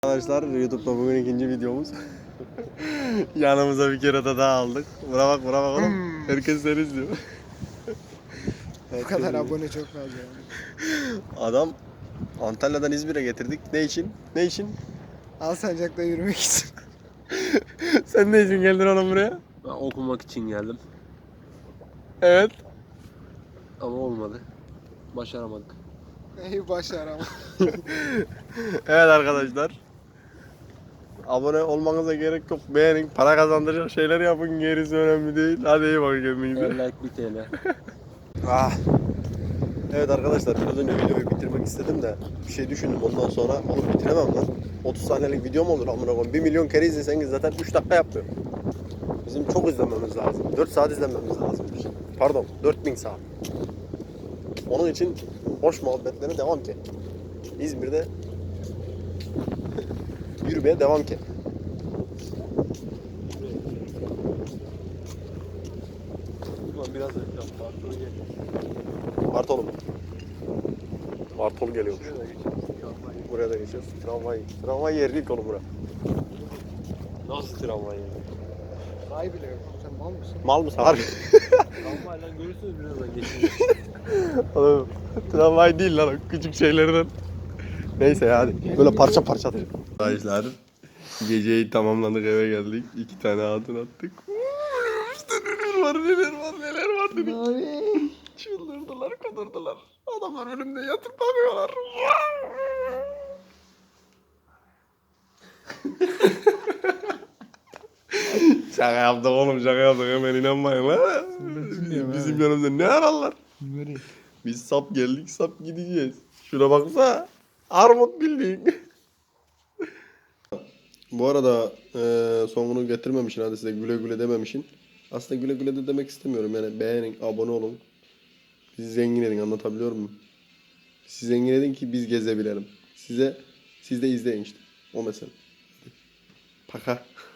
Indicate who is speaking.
Speaker 1: Arkadaşlar YouTube'da bugün ikinci videomuz. Yanımıza bir kere daha aldık. Buna bak oğlum. Herkes seni izliyor.
Speaker 2: Bu kadar abone çok fazla yani.
Speaker 1: Adam Antalya'dan İzmir'e getirdik. Ne için? Ne için?
Speaker 2: Alsancak'ta yürümek için.
Speaker 1: Sen ne için geldin oğlum buraya?
Speaker 3: Ben okumak için geldim
Speaker 1: Evet.
Speaker 3: ama olmadı. Başaramadık.
Speaker 2: Neyi başaramadım.
Speaker 1: Evet arkadaşlar. Abone olmanıza gerek yok. Beğenin, para kazandıracak şeyler yapın. Gerisi önemli değil. Hadi iyi bakın kendinize.
Speaker 3: Her like 1 TL.
Speaker 1: Ah. Evet arkadaşlar, biraz önce videoyu bitirmek istedim de bir şey düşündüm, ondan sonra oğlum bitiremem lan. 30 saniyelik video mu olur amına koyayım? 1 milyon kere izleseniz zaten 3 dakika yapmıyor. Bizim çok izlememiz lazım. 4 saat izlememiz lazım. Pardon, 4000 saat. Onun için hoş muhabbetlerine devam ki. İzmir'de yürümeye devam ki.
Speaker 3: Ulan biraz reklam. Bartolu geliyor.
Speaker 1: Bartolum. Bartol geliyormuş.
Speaker 3: Şuraya da geçelim. Tramvay.
Speaker 1: Buraya da geçiyoruz. Tramvay yeri ilk oğlum bura.
Speaker 3: Nasıl tramvay yani?
Speaker 2: Vay bile yok. Sen mal mısın?
Speaker 1: Mal mısın? Harbi.
Speaker 3: Tramvayla görürsünüz birazdan geçince.
Speaker 1: Oğlum, tramvay değil lan, o küçük şeylerden. Neyse ya, hadi. Böyle parça parça atacağım. Arkadaşlar, geceyi tamamladık, eve geldik. 2 tane hatun attık. İşte neler var dedik. Çıldırdılar, kudurdular. Adamlar önümde yatıp bakıyorlar. Şaka yaptık oğlum, şaka yaptık. Hemen inanmayın la. Bizim yanımızda ne ararlar? Biz sap geldik, sap gideceğiz. Şuna baksa, armut bildiğin. Bu arada sonunu getirmemişsin, hadi size güle güle dememişsin. Aslında güle güle de demek istemiyorum, yani beğenin, abone olun. Bizi zengin edin, anlatabiliyor muyum? Sizi zengin edin ki biz gezebilelim. Siz de izleyin işte, o mesele. Paka.